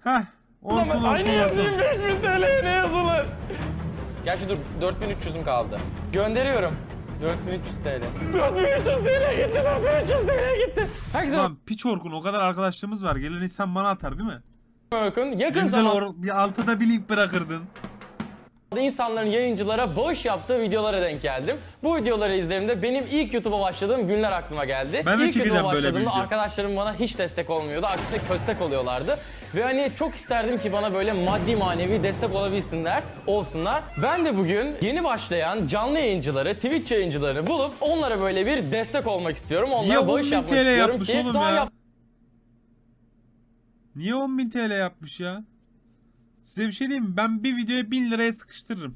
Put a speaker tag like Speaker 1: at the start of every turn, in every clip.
Speaker 1: Heh. Orkun
Speaker 2: Aynı yazayım 5000 TL'ye ne yazılır? Gerçi dur 4300'üm kaldı. Gönderiyorum. 4300 TL. 4300 TL gitti, 4300 TL gitti. Herkese
Speaker 1: Lan piç Orkun, o kadar arkadaşlığımız var. Gelen insan bana atar değil mi?
Speaker 2: bakın.
Speaker 1: Ne
Speaker 2: Yakın
Speaker 1: güzel
Speaker 2: zamanda
Speaker 1: bir altıda bir link bırakırdın.
Speaker 2: insanların yayıncılara bağış yaptığı videolara denk geldim. Bu videoları izlediğimde benim ilk YouTube'a başladığım günler aklıma geldi.
Speaker 1: Ben de
Speaker 2: İlk
Speaker 1: çekeceğim
Speaker 2: YouTube'a
Speaker 1: böyle bir
Speaker 2: başladığımda
Speaker 1: video.
Speaker 2: arkadaşlarım bana hiç destek olmuyordu. Aksine köstek oluyorlardı. Ve hani çok isterdim ki bana böyle maddi manevi destek olabilsinler, olsunlar. Ben de bugün yeni başlayan canlı yayıncıları, Twitch yayıncılarını bulup onlara böyle bir destek olmak istiyorum.
Speaker 1: Niye
Speaker 2: Onlara bağış
Speaker 1: 10.000
Speaker 2: yapmak
Speaker 1: TL
Speaker 2: istiyorum
Speaker 1: yapmış
Speaker 2: ki
Speaker 1: oğlum
Speaker 2: daha
Speaker 1: ya? Niye 10.000 TL yapmış ya? Size bir şey diyeyim mi? Ben bir videoya 1000 liraya sıkıştırırım.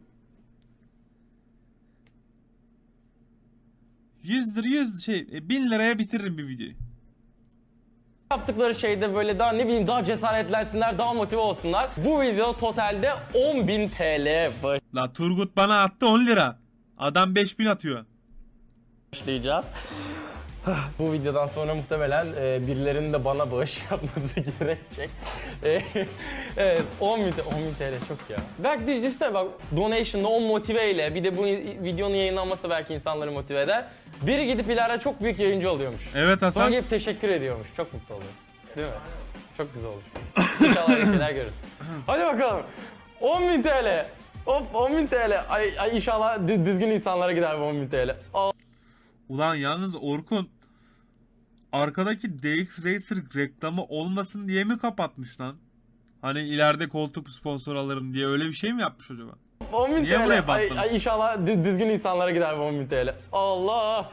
Speaker 1: 1000 liraya bitiririm bir videoyu.
Speaker 2: yaptıkları şeyde böyle daha ne bileyim daha cesaretlensinler, daha motive olsunlar. Bu video totalde 10.000 TL
Speaker 1: La Turgut bana attı 10 lira. Adam 5000 atıyor.
Speaker 2: başlayacağız. Bu videodan sonra muhtemelen birilerinin de bana bağış yapması gerekecek. Evet, 10.000 TL çok ya. Belki de düşünsene bak, donation'la, o motiveyle, bir de bu videonun yayınlanması da belki insanları motive eder. Biri gidip ileride çok büyük yayıncı oluyormuş.
Speaker 1: Evet Hasan.
Speaker 2: Sonra gelip teşekkür ediyormuş. Çok mutlu oluyor. Değil mi? Çok güzel olur. İnşallah öyle şeyler görürüz. Hadi bakalım. 10.000 TL. Hop 10.000 TL. Ay inşallah düzgün insanlara gider bu 10.000 TL.
Speaker 1: Ulan yalnız Orkun arkadaki DX Racer reklamı olmasın diye mi kapatmış lan? Hani ileride koltuk sponsor alırım diye öyle bir şey mi yapmış acaba?
Speaker 2: 10.000
Speaker 1: Niye
Speaker 2: TL.
Speaker 1: buraya baktın?
Speaker 2: Ay inşallah düzgün insanlara gider bu 10.000 TL. Allah.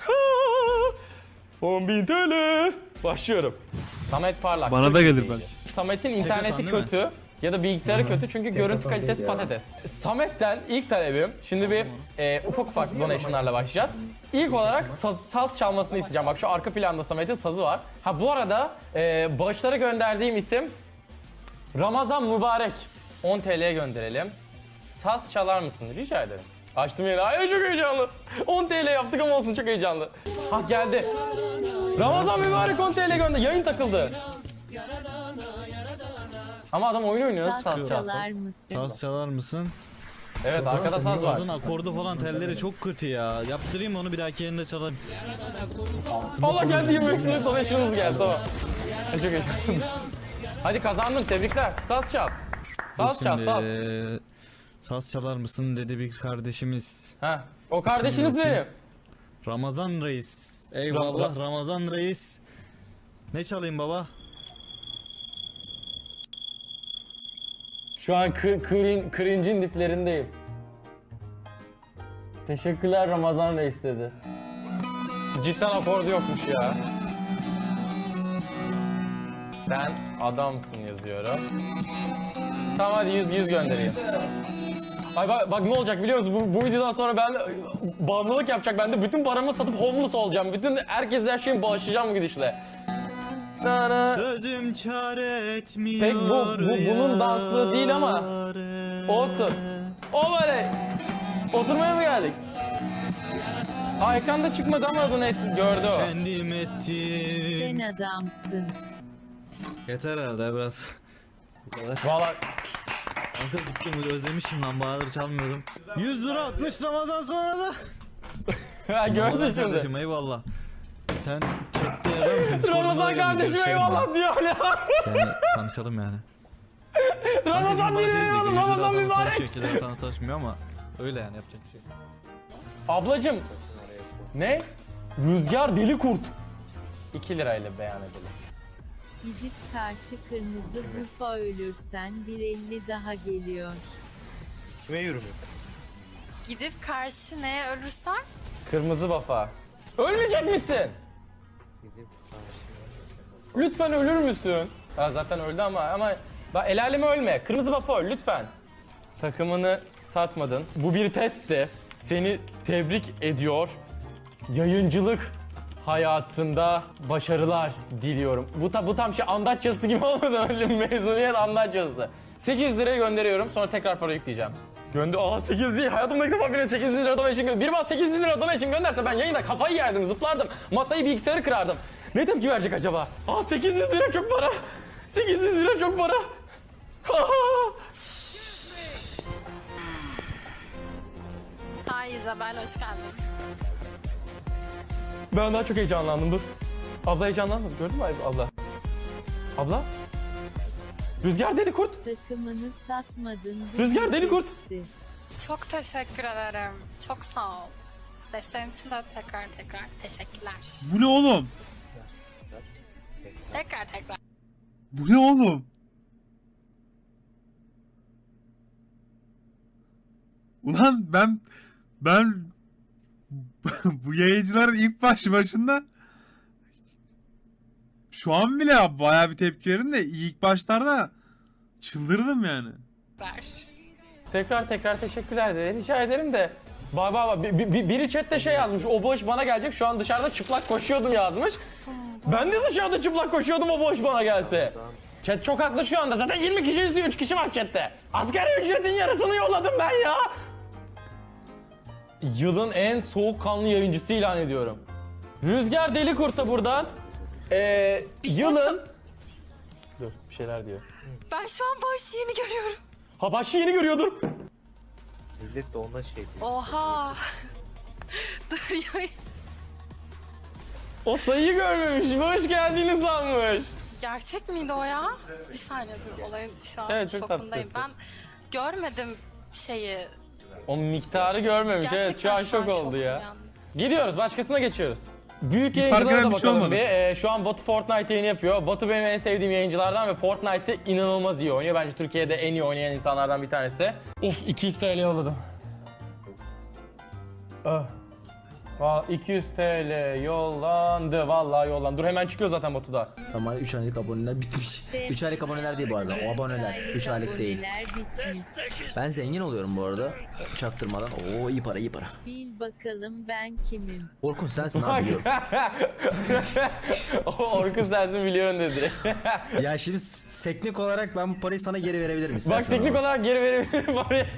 Speaker 2: 10.000 TL. Başlıyorum. Samet Parlak.
Speaker 1: Bana
Speaker 2: çok
Speaker 1: da
Speaker 2: iyi
Speaker 1: gelir
Speaker 2: yayıncı.
Speaker 1: belki.
Speaker 2: Samet'in interneti
Speaker 3: değil mi?
Speaker 2: kötü. Ya da bilgisayarı kötü çünkü görüntü
Speaker 3: atan
Speaker 2: kalitesi
Speaker 3: değil ya.
Speaker 2: patates. Samet'ten ilk talebim, şimdi bir ufak ufak donation'larla başlayacağız. İlk olarak saz çalmasını isteyeceğim. Bak şu arka planda Samet'in sazı var. Ha bu arada bağışlara gönderdiğim isim Ramazan Mübarek. 10 TL'ye gönderelim. Saz çalar mısın? Rica ederim. Açtım yeni. Ay çok heyecanlı. 10 TL yaptık ama olsun, çok heyecanlı. Ha geldi. Ramazan Mübarek 10 TL gönder. Yayın takıldı. Ama adam oyun oynuyor. Nasıl saz çalsın?
Speaker 3: Saz çalar mısın?
Speaker 2: Evet arkada saz var.
Speaker 3: Sazın akordu falan telleri çok kötü ya. Yaptırayım onu bir dahaki yerinde çalarım.
Speaker 2: Allah geldi 25 lira donation'ımız geldi tamam. Ay, çok heyecanlı. Hadi kazandın, tebrikler. Saz çal. Saz çal, saz.
Speaker 3: Saz çalar mısın dedi bir kardeşimiz.
Speaker 2: Heh, o kardeşiniz
Speaker 3: bakayım.
Speaker 2: benim.
Speaker 3: Ramazan Reis. Eyvallah Ramazan Reis. Ne çalayım baba?
Speaker 2: Şu an cringe'in diplerindeyim. Teşekkürler Ramazan Reis dedi. Cidden akordu yokmuş ya. Sen adamsın yazıyorum. Tamam hadi 100 göndereyim. Ay bak ne olacak biliyor musun? Bu videodan sonra ben bağımlılık yapacak. Ben de bütün paramı satıp homeless olacağım. Bütün herkes her şeyimi bağışlayacağım bu gidişle.
Speaker 3: Sözüm çare etmiyor.
Speaker 2: Pek bunun danslığı değil ama olsun. Oley! Oturmaya mı geldik? Aa ekranda çıkmadı ama adını gördü o.
Speaker 3: Kendim ettim.
Speaker 4: Sen adamsın.
Speaker 3: Yeter herhalde biraz. Bu kadar.
Speaker 2: Valla
Speaker 3: Kanka gittim özlemişim lan bayağıdır çalmıyordum. 100 lira atmış Ramazan sonra da.
Speaker 2: ha, gördün
Speaker 3: Ramazan
Speaker 2: şimdi.
Speaker 3: kardeşim eyvallah. Sen chatte yazar mısın? Discord'uma da
Speaker 2: Ramazan
Speaker 3: gel,
Speaker 2: kardeşim
Speaker 3: görüşelim
Speaker 2: eyvallah
Speaker 3: ya.
Speaker 2: diyor ya.
Speaker 3: Yani tanışalım yani.
Speaker 2: Ramazan değil eyvallah, Ramazan mübarek.
Speaker 3: Şekilde tanışmıyor ama öyle yani yapacak bir şey.
Speaker 2: Ablacım. Ne? Rüzgar deli kurt. 2 lirayla beyan edelim.
Speaker 4: Gidip karşı kırmızı bufa ölürsen 1.50 daha geliyor.
Speaker 5: Gidip karşı neye ölürsen
Speaker 2: Kırmızı bafa. Ölmeyecek misin? Lütfen ölür müsün? Ha, zaten öldü ama bak el aleme ölme. Kırmızı bafa öl lütfen. Takımını satmadın. Bu bir testti. Seni tebrik ediyor. Yayıncılık hayatında başarılar diliyorum. Bu tam şey andaç yazısı gibi olmadı öyle bir mezuniyet andaç yazısı. 800 liraya gönderiyorum sonra tekrar para yükleyeceğim. Aa 800 değil. Hayatımda ilk defa birine 800 lira donation gönder. Biri bana 800 lira donation gönderse ben yayında kafayı yerdim, zıplardım. Masayı bilgisayarı kırardım. Ne tepki verecek acaba? 800 lira çok para. 800 lira çok para.
Speaker 5: Hi Isabel, hoş geldin.
Speaker 2: Ben daha çok heyecanlandım, dur. Abla heyecanlanmadı, gördün mü abla? Abla? Rüzgar deli kurt.
Speaker 4: Takımını satmadın.
Speaker 2: Rüzgar deli kurt.
Speaker 4: bitti.
Speaker 5: Çok teşekkür ederim. Çok sağ ol. Desteğin için de tekrar teşekkürler.
Speaker 1: Bu ne oğlum?
Speaker 5: Tekrar.
Speaker 1: Bu ne oğlum? Ulan ben bu yayıncıların ilk başında şu an bile bayağı bir tepki verin de ilk başlarda çıldırdım yani.
Speaker 2: Tekrar teşekkürler de rica ederim de. Bak biri chatte şey yazmış, o boş bana gelecek, şu an dışarıda çıplak koşuyordum yazmış. Ben de dışarıda çıplak koşuyordum, o boş bana gelse. Chat çok haklı şu anda, zaten 20 kişi izliyor, 3 kişi var chatte. Asgari ücretin yarısını yolladım ben ya. Yılın en soğukkanlı yayıncısı ilan ediyorum. Rüzgar deli kurta buradan. Yılın... Dur bir şeyler diyor.
Speaker 5: Ben şu an boş yeni görüyorum.
Speaker 2: Ha başlı yeni görüyordur.
Speaker 6: Millet de ona şey diyor.
Speaker 5: Oha. Dur ya.
Speaker 2: O sayıyı görmemiş, hoş geldini sanmış.
Speaker 5: Gerçek miydi o ya? Bir saniye dur, olayın şu an
Speaker 2: Evet, çok tatlı
Speaker 5: şokundayım.
Speaker 2: sesi.
Speaker 5: Ben görmedim şeyi.
Speaker 2: O miktarı görmemiş,
Speaker 5: Gerçekten
Speaker 2: evet şu an şok oldu
Speaker 5: şokum
Speaker 2: ya.
Speaker 5: yalnız.
Speaker 2: Gidiyoruz, başkasına geçiyoruz. Büyük
Speaker 1: Bir
Speaker 2: yayıncılara
Speaker 1: fark
Speaker 2: da
Speaker 1: eden bir şey
Speaker 2: bakalım
Speaker 1: olmadı.
Speaker 2: bir. Şu an Batu Fortnite yayını yapıyor. Batu benim en sevdiğim yayıncılardan ve Fortnite'te inanılmaz iyi oynuyor. Bence Türkiye'de en iyi oynayan insanlardan bir tanesi. Uf 200 TL yolladım. Ah. 200 TL yollandı, vallahi yollandı. Dur hemen çıkıyor zaten Batu'da.
Speaker 7: Ama 3 aylık aboneler bitmiş. 3 aylık aboneler değil bu arada. O aboneler. 3 aylık değil.
Speaker 4: Aboneler bitmiş.
Speaker 7: Ben zengin oluyorum bu arada. Çaktırmadan. Oo iyi para iyi para.
Speaker 4: Bil bakalım ben kimim?
Speaker 7: Orkun sensin abi biliyorum.
Speaker 2: Orkun sensin biliyorum dedi.
Speaker 7: Ya şimdi teknik olarak ben bu parayı sana geri verebilirim istersen.
Speaker 2: Bak teknik
Speaker 7: ama.
Speaker 2: olarak geri verebilirim parayı.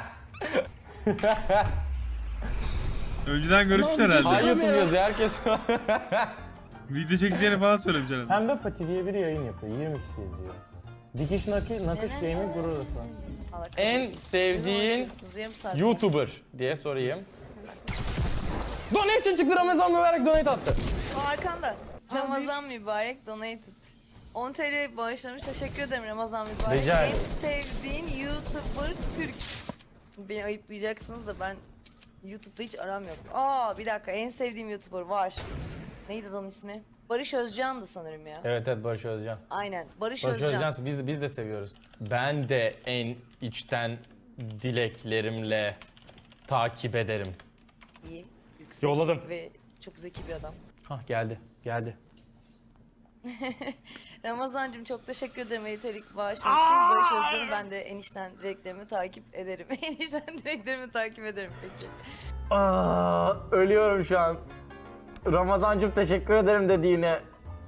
Speaker 1: Önceden görüşmüş herhalde.
Speaker 2: Ay YouTube yazıyor herkes.
Speaker 1: Video çekeceğini falan söylemiş herhalde.
Speaker 2: Pembe Pati diye biri yayın yapıyor. 20 kişi izliyor. Dikiş nakış gaming gurur falan. En sevdiğin YouTuber diye sorayım. Donation çıktı, Ramazan mübarek donate attı.
Speaker 8: Arkanda. Ramazan mübarek donated. 10 TL bağışlamış. Teşekkür ederim Ramazan mübarek.
Speaker 2: Rica ederim.
Speaker 8: En sevdiğin YouTuber Türk. Beni ayıplayacaksınız da ben YouTube'da hiç aram yok. Bir dakika, en sevdiğim YouTuber var. Neydi adamın ismi? Barış Özcan'dı sanırım ya.
Speaker 2: Evet Barış Özcan.
Speaker 8: Aynen. Barış
Speaker 2: Barış
Speaker 8: Özcan.
Speaker 2: Özcan biz de seviyoruz. Ben de en içten dileklerimle takip ederim.
Speaker 8: İyi. Yüksek
Speaker 2: Yolladım.
Speaker 8: ve çok zeki bir adam.
Speaker 2: Hah geldi.
Speaker 8: Ramazancığım çok teşekkür ederim Elitelik bağışın için. Barış Özcan'ı ben de enişten dileklerimi takip ederim. Enişten dileklerimi takip ederim peki.
Speaker 2: Ölüyorum şu an. Ramazancım teşekkür ederim dediğine.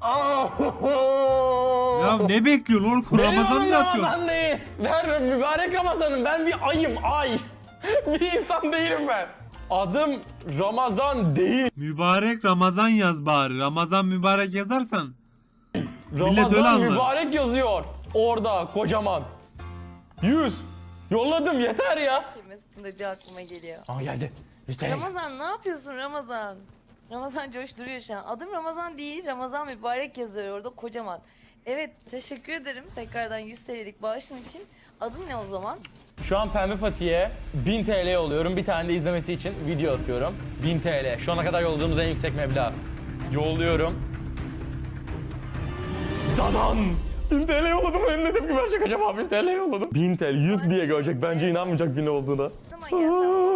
Speaker 1: Ya ne bekliyorsun Orkun? Ramazan mı atıyorsun?
Speaker 2: Ramazan değil. Ver mübarek Ramazan'ım. Ben bir ayım ay. Bir insan değilim ben. Adım Ramazan değil.
Speaker 1: Mübarek Ramazan yaz bari. Ramazan mübarek yazarsan millet öyle
Speaker 2: Ramazan
Speaker 1: anlar.
Speaker 2: mübarek yazıyor. Orada kocaman. 100. Yolladım yeter ya.
Speaker 8: Mesut'un dediği aklıma geliyor.
Speaker 2: Aa geldi. 100 TL.
Speaker 8: Ramazan ne yapıyorsun Ramazan? Ramazan coşturuyor şu an. Adım Ramazan değil, Ramazan mübarek yazıyor orada kocaman. Evet, teşekkür ederim tekrardan 100 TL'lik bağışın için. Adın ne o zaman?
Speaker 2: Şu an Pembe Pati'ye 1000 TL yolluyorum. Bir tane de izlemesi için video atıyorum. 1000 TL. Şu ana kadar yolladığımız en yüksek meblağ. Yolluyorum. Dadan! 1000 TL yolladım. Ne tepki verecek acaba? 1000 TL yolladım. 1000 TL. 100 diye görecek. Bence inanmayacak 1000 olduğuna.
Speaker 8: Ne zaman gelsem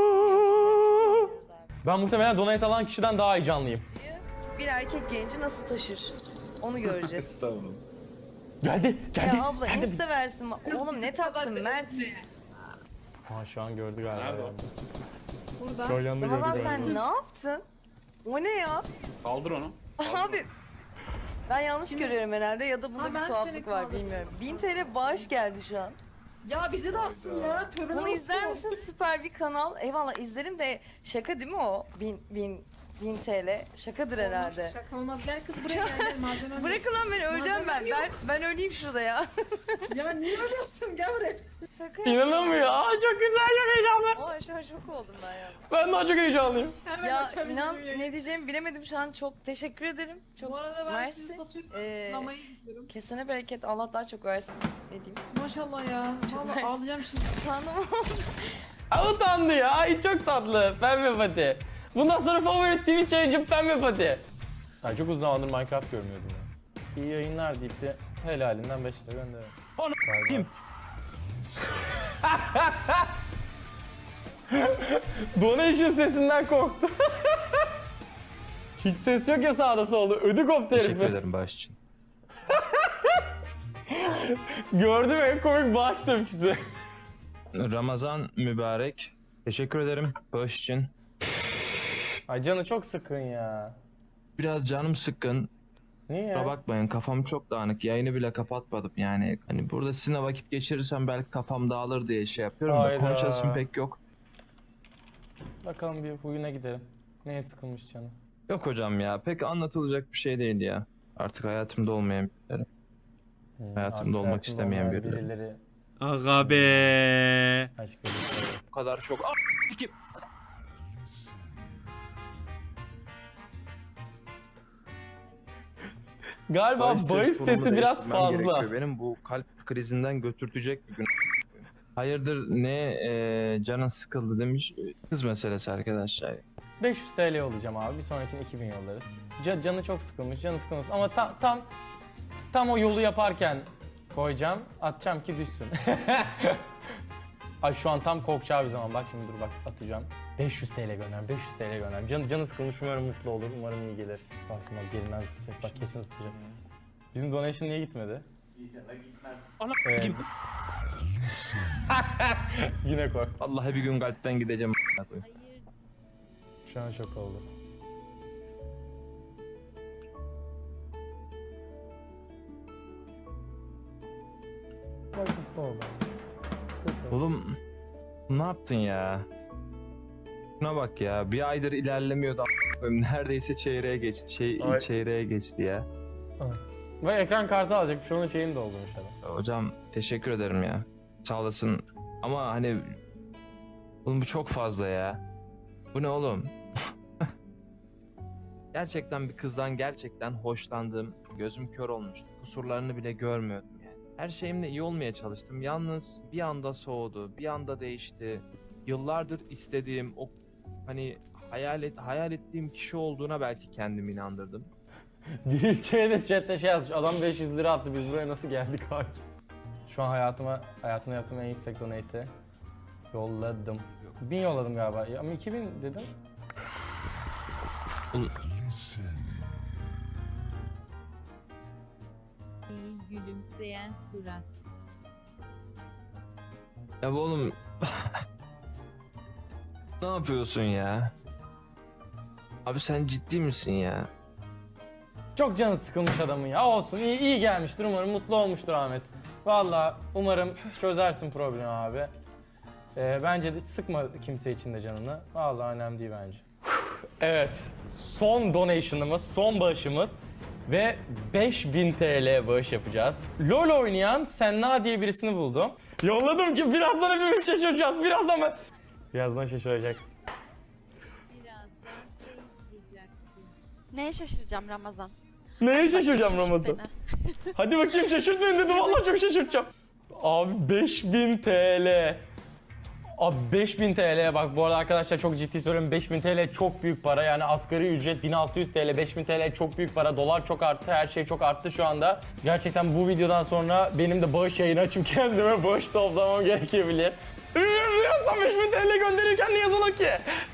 Speaker 2: Ben muhtemelen donate alan kişiden daha heyecanlıyım.
Speaker 8: bir erkek genci nasıl taşır? Onu göreceğiz.
Speaker 2: Geldi.
Speaker 8: Ya abla insta versin. Oğlum ne taktın Mert?
Speaker 2: Ha şu an gördü galiba. Nerede? Burada. Şu an yanında
Speaker 8: Ramazan
Speaker 2: gördü galiba.
Speaker 8: sen ne yaptın? O ne ya?
Speaker 9: Kaldır onu.
Speaker 8: Abi ben yanlış görüyorum herhalde ya da bunda bir tuhaflık var bilmiyorum. 1000 TL bağış geldi şu an.
Speaker 10: Ya bize de atsın ya. Tövbe
Speaker 8: Bunu izler misin? Süper bir kanal. Eyvallah izlerim de şaka değil mi o? 1000 1000 TL. Şakadır herhalde.
Speaker 10: Olmaz, şaka olmaz. Gel kız buraya gel malzemem.
Speaker 8: Bırakın lan beni, öleceğim ben.
Speaker 10: Malzemem yok.
Speaker 8: Ben öleyim şurada ya.
Speaker 10: Ya niye ölüyorsun? Gel buraya.
Speaker 8: Şaka yapıyorum.
Speaker 2: İnanamıyor. Aa çok güzel, çok heyecanlı.
Speaker 8: Aa şu an şok oldum ben ya.
Speaker 2: Ben daha çok heyecanlıyım.
Speaker 10: Hemen
Speaker 8: Ya
Speaker 10: açabilirim
Speaker 8: inan
Speaker 10: yayını.
Speaker 8: ne diyeceğimi bilemedim şu an. Çok teşekkür ederim. Çok
Speaker 10: Bu arada ben
Speaker 8: mersi.
Speaker 10: sizi satıyorum.
Speaker 8: Ee,
Speaker 10: Sinemaya gidiyorum.
Speaker 8: Kesene bereket, Allah daha çok versin. Ne diyeyim?
Speaker 10: Maşallah ya. Vallahi
Speaker 8: mersi.
Speaker 10: ağlayacağım şimdi.
Speaker 8: Tanrım.
Speaker 2: Aa, utandı ya. Ay çok tatlı. Pembe pati. Bundan sonra favori Twitch yayıncım Pembe pati. Ay çok uzun zamandır Minecraft görmüyordum ya. İyi yayınlar deyip de helalinden 5 lira gönderelim.
Speaker 3: Kim?
Speaker 2: Donation sesinden korktu. Hiç ses yok ya sağda solda. Ödü koptu herifin.
Speaker 3: bağış için.
Speaker 2: Gördüm en komik bağış tepkisi.
Speaker 3: Ramazan mübarek. Teşekkür ederim bağış için.
Speaker 2: Ay canı çok sıkın ya.
Speaker 3: Biraz canım sıkkın.
Speaker 2: Niye ya?
Speaker 3: Kusura bakmayın, kafam çok dağınık. Yayını bile kapatmadım yani. Hani burada sizinle vakit geçirirsem belki kafam dağılır diye şey yapıyorum
Speaker 2: Hayda.
Speaker 3: da konuşasım pek yok.
Speaker 2: Bakalım bir huyuna gidelim. Neye sıkılmış canı?
Speaker 3: Yok hocam ya, pek anlatılacak bir şey değil ya. Artık hayatımda olmayan birileri. Hayatımda olmak
Speaker 2: hayatında
Speaker 3: istemeyen
Speaker 2: olmayan
Speaker 3: birileri.
Speaker 1: Aga be.
Speaker 2: Aşk birileri.
Speaker 3: Bu kadar çok... Kim?
Speaker 2: Galiba bahis sesi biraz
Speaker 3: değiştirmem
Speaker 2: fazla.
Speaker 3: gerekiyor. Benim bu kalp krizinden götürtecek bir gün. Hayırdır ne canın sıkıldı demiş. Kız meselesi arkadaşlar.
Speaker 2: 500 TL olacağım abi. Bir sonrakine 2000 yollarız. Canı çok sıkılmış, canı sıkılmasın. Ama tam o yolu yaparken koyacağım, atacağım ki düşsün. Ay şu an tam korkacağı bir zaman. Bak şimdi dur bak atacağım. 500 TL gönder, 500 TL gönder. Canı sıkılmış, umarım mutlu olur, umarım iyi gelir. Bak şimdi bak gerinden zıplayacak, bak kesin zıplayacak. Bizim donation niye gitmedi?
Speaker 3: Ana
Speaker 2: Evet. Yine koy.
Speaker 3: Vallahi bir gün kalpten gideceğim.
Speaker 4: Hayır.
Speaker 2: Şu an şok oldu. Bak mutlu oldu.
Speaker 3: Oğlum ne yaptın ya? Şuna bak ya, bir aydır ilerlemiyordu a**ayım. Neredeyse çeyreğe geçti. Çeyreğe geçti ya.
Speaker 2: Ve ekran kartı alacak. Şu an şeyini doldurmuş adam.
Speaker 3: Hocam teşekkür ederim ya. Sağ olasın. Ama hani oğlum bu çok fazla ya. Bu ne oğlum? Gerçekten bir kızdan gerçekten hoşlandım. Gözüm kör olmuştu. Kusurlarını bile görmüyordum yani. Her şeyimle iyi olmaya çalıştım. Yalnız bir anda soğudu, bir anda değişti. Yıllardır istediğim o hani hayal ettiğim kişi olduğuna belki kendimi inandırdım.
Speaker 2: Bir de chatte şey yazmış. Adam 500 lira attı. Biz buraya nasıl geldik abi? Şu an hayatımda yaptığım en yüksek donate'i yolladım. 1000 yolladım galiba. Ya, ama 2000 dedim.
Speaker 4: İyi gülümseyen surat.
Speaker 3: Ya bu oğlum ne yapıyorsun ya? Abi sen ciddi misin ya?
Speaker 2: Çok canı sıkılmış adamın ya. Olsun iyi gelmiştir. Umarım mutlu olmuştur Ahmet. Vallahi umarım çözersin problemi abi. Bence de sıkma kimse için de canını. Vallahi önemli değil bence. Evet. Son donation'ımız, son bağışımız ve 5000 TL bağış yapacağız. LoL oynayan Senna diye birisini buldum. Yolladım ki birazdan hepimiz şaşıracağız. Birazdan şaşıracaksın.
Speaker 4: Birazdan şey yapacaksın.
Speaker 5: Neye şaşıracağım Ramazan?
Speaker 2: Neye şaşıracağım
Speaker 5: Şaşırt
Speaker 2: Ramazan?
Speaker 5: beni.
Speaker 2: Hadi bakayım şaşırt beni dedim. Vallahi çok şaşırtacağım. Abi 5000 TL. Abi 5000 TL bak bu arada arkadaşlar çok ciddi söylüyorum 5000 TL çok büyük para yani asgari ücret 1600 TL 5000 TL çok büyük para dolar çok arttı her şey çok arttı şu anda. Gerçekten bu videodan sonra benim de bağış yayını açıp kendime bağış toplamam gerekebilir. Biliyorsan 5000 TL gönderirken ne yazılır ki?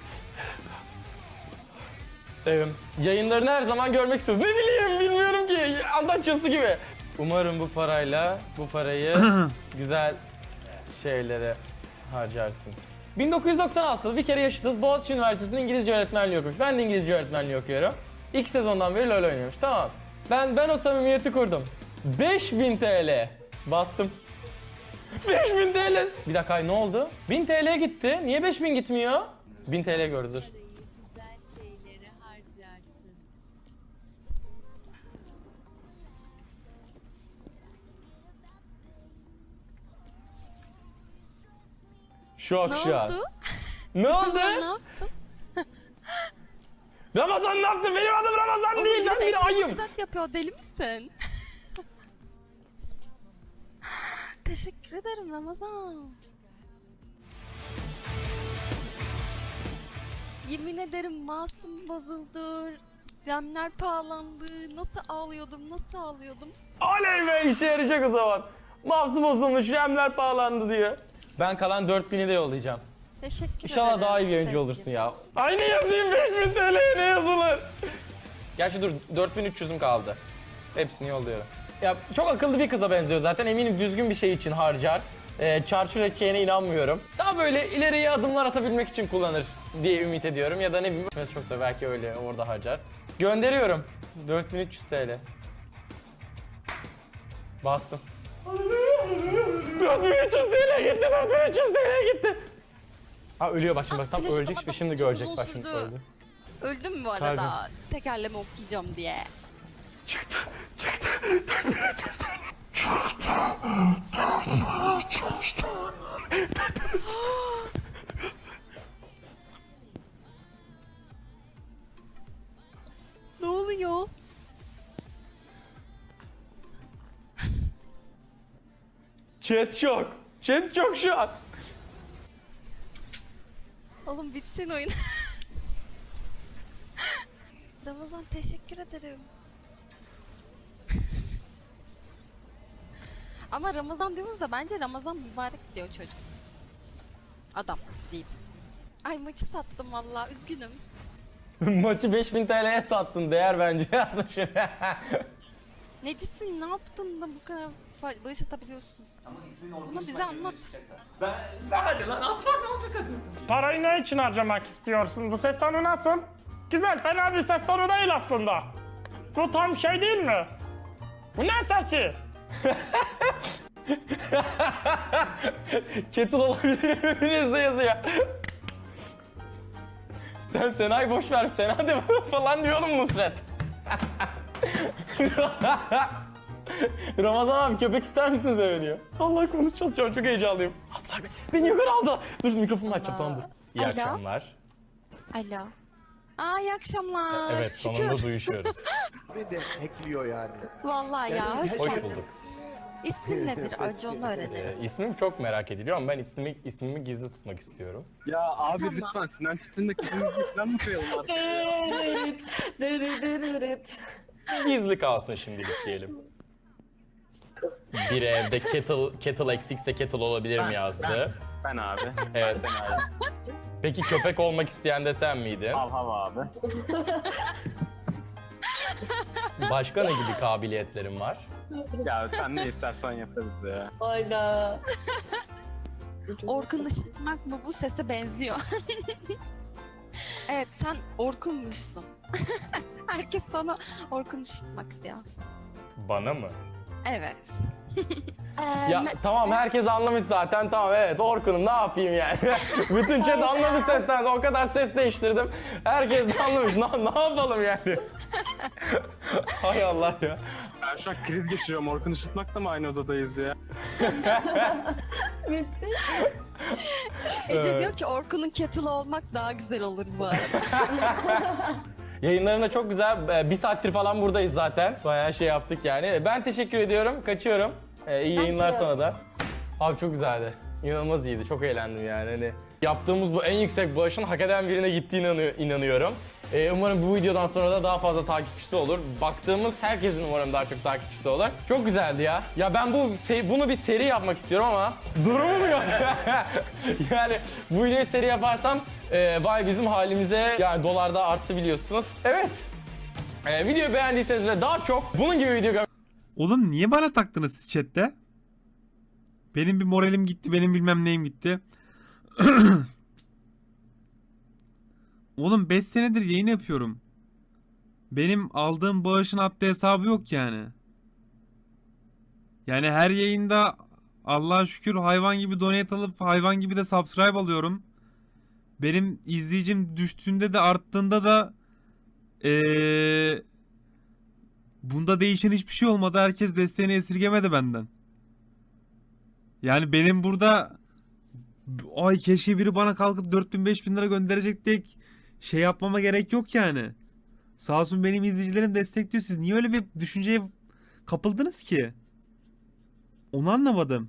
Speaker 2: Yayınlarını her zaman görmek istiyoruz. Ne bileyim bilmiyorum ki andaçyosu gibi. Umarım bu parayı güzel şeylere harcarsın. 1996'da bir kere yaşadığımız Boğaziçi Üniversitesi'nde İngilizce öğretmenliği okumuş. Ben de İngilizce öğretmenliği okuyorum. İlk sezondan beri LoL oynuyormuş. Tamam. Ben o samimiyeti kurdum. 5000 TL. Bastım. 5000 TL. Bir dakika ne oldu? 1000 TL gitti. Niye 5000 gitmiyor? 1000 TL gördü dur.
Speaker 4: Parayı güzel şeylere harca.
Speaker 2: Şok
Speaker 4: Ne
Speaker 2: şu an.
Speaker 4: oldu?
Speaker 2: Ne oldu?
Speaker 4: Ne yaptın?
Speaker 2: Ramazan ne yaptı? Benim adım Ramazan değil. Ben bir ayım.
Speaker 4: Maksat yapıyor, deli misin? Teşekkür ederim Ramazan. Yemin ederim masum bozuldu. RAM'ler pahalandı. Nasıl ağlıyordum.
Speaker 2: Oley be, işe yarayacak o zaman. Mouse'u bozulmuş, RAM'ler pahalandı diye. Ben kalan 4000'i de yollayacağım.
Speaker 4: Teşekkür ederim.
Speaker 2: İnşallah daha iyi bir oyuncu
Speaker 4: Sezgin.
Speaker 2: olursun ya. Ay ne yazayım 5000 TL'ye ne yazılır? Gerçi dur 4300'üm kaldı. Hepsini yolluyorum. Ya çok akıllı bir kıza benziyor zaten. Eminim düzgün bir şey için harcar. Çarçur edeceğine inanmıyorum. Daha böyle ileriye adımlar atabilmek için kullanır diye ümit ediyorum. Ya da ne bileyim. Çoksa belki öyle orada harcar. Gönderiyorum. 4300 TL. Bastım. 4300 TL gitti, 4300 TL gitti. Ha ölüyor bak şimdi, bak tam
Speaker 4: Flash
Speaker 2: ölecek
Speaker 4: atamadım,
Speaker 2: şimdi
Speaker 4: çok
Speaker 2: görecek
Speaker 4: uzun
Speaker 2: bak şimdi
Speaker 4: sürdü.
Speaker 2: öldü.
Speaker 4: Öldüm mü bu arada?
Speaker 2: Kalbim.
Speaker 4: Tekerleme okuyacağım diye.
Speaker 2: Çıktı 4300 TL.
Speaker 4: Ne oluyor?
Speaker 2: Chat şok. Chat şok şu an.
Speaker 4: Oğlum bitsin oyun. Ramazan teşekkür ederim. Ama Ramazan diyoruz da bence Ramazan mübarek diyor çocuk. Adam diyeyim. Ay maçı sattım valla, üzgünüm.
Speaker 2: Maçı 5000 TL'ye sattın, değer bence yazmışım.
Speaker 4: Necisin, ne yaptın da bu kadar bağış atabiliyorsun? Bunu bize anlat.
Speaker 2: Parayı ne için harcamak istiyorsun? Bu ses tonu nasıl? Güzel, fena bir ses tonu değil aslında. Bu tam şey değil mi? Bu ne sesi? Kettle olabilir hepiniz de yazıyor. Sen Senay boş ver, Sena de falan diyor oğlum Nusret. Ramazan abi köpek ister misiniz eve diyor. Allah konuşacağız şu an, çok heyecanlıyım. Atlar beni yukarı aldı. Dur mikrofonu açacağım, tamam dur. İyi
Speaker 4: Alo.
Speaker 2: akşamlar.
Speaker 4: Alo. Aa, iyi akşamlar.
Speaker 2: Evet, sonunda duyuşuyoruz.
Speaker 6: Bir de ekliyor yani.
Speaker 4: Vallahi ya, hoş
Speaker 2: Hoş
Speaker 4: geldin.
Speaker 2: bulduk.
Speaker 4: İsmin nedir? Önce onu öğrenelim.
Speaker 2: İsmim çok merak ediliyor ama ben ismimi gizli tutmak istiyorum.
Speaker 9: Ya abi lütfen Sinan Çetin'deki ismimizi falan mı koyalım artık?
Speaker 2: Gizli kalsın şimdilik diyelim. Bir evde kettle eksikse kettle olabilir mi yazdı.
Speaker 9: Ben abi.
Speaker 2: Evet.
Speaker 9: Sen abi.
Speaker 2: Peki köpek olmak isteyen de sen miydin?
Speaker 9: Hav hav abi.
Speaker 2: Başka ne gibi kabiliyetlerin var?
Speaker 9: Ya sen ne istersen yaparız ya.
Speaker 4: Orkun ışıtmak mı, bu sese benziyor. Evet, sen Orkun'muşsun. Herkes sana Orkun ışıtmak diyor.
Speaker 2: Bana mı?
Speaker 4: Evet.
Speaker 2: Ya tamam, herkes anlamış zaten, tamam evet Orkun'um, ne yapayım yani. Bütün chat anladı sesten, o kadar ses değiştirdim. Herkes de anlamış, ne yapalım yani. Hay Allah ya.
Speaker 9: Ben şu an kriz geçiriyorum. Orkun Işıtmak'la mı aynı odadayız ya?
Speaker 4: Ece diyor ki Orkun'un kettle olmak daha güzel olur bu arada.
Speaker 2: Yayınlarında çok güzel, bir saattir falan buradayız zaten. Bayağı şey yaptık yani. Ben teşekkür ediyorum, kaçıyorum. İyi yayınlar sana da. Abi çok güzeldi. İnanılmaz iyiydi, çok eğlendim yani. Hani yaptığımız bu en yüksek bağışın hak eden birine gittiğine inanıyorum. Umarım bu videodan sonra da daha fazla takipçisi olur. Baktığımız herkesin umarım daha çok takipçisi olur. Çok güzeldi ya. Ya ben bunu bir seri yapmak istiyorum ama durumum yok. Yani bu videoyu seri yaparsam vay bizim halimize, yani dolarda arttı biliyorsunuz. Evet. Videoyu beğendiyseniz ve daha çok bunun gibi video
Speaker 1: Oğlum niye bana taktınız siz chatte? Benim bir moralim gitti, benim bilmem neyim gitti. Oğlum 5 senedir yayın yapıyorum. Benim aldığım bağışın haddi hesabı yok yani. Yani her yayında Allah'a şükür hayvan gibi donate alıp hayvan gibi de subscribe alıyorum. Benim izleyicim düştüğünde de arttığında da bunda değişen hiçbir şey olmadı. Herkes desteğini esirgemedi benden. Yani benim burada Ay keşke biri bana kalkıp 4000-5000 lira gönderecek diye şey yapmama gerek yok yani. Sağ olsun benim izleyicilerim destekliyor. Siz niye öyle bir düşünceye kapıldınız ki? Onu anlamadım.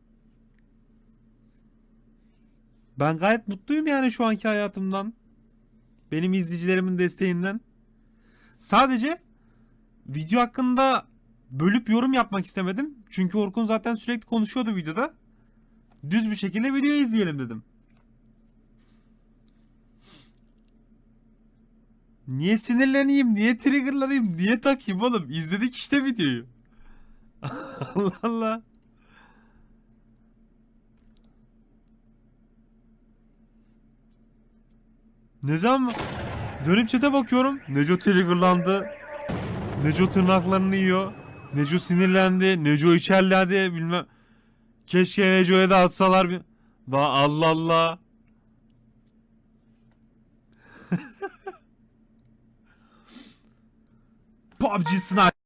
Speaker 1: Ben gayet mutluyum yani şu anki hayatımdan. Benim izleyicilerimin desteğinden. Sadece video hakkında bölüp yorum yapmak istemedim. Çünkü Orkun zaten sürekli konuşuyordu videoda. Düz bir şekilde videoyu izleyelim dedim. Niye sinirleneyim? Niye triggerlanayım? Niye takayım oğlum? İzledik işte videoyu. Allah Allah. Ne zaman dönüp chat'e bakıyorum. Neco triggerlandı. Neco tırnaklarını yiyor. Neco sinirlendi. Neco içerledi bilmem. Keşke Neco'ya da atsalar bir. Daha Allah Allah. PUBG Sniper.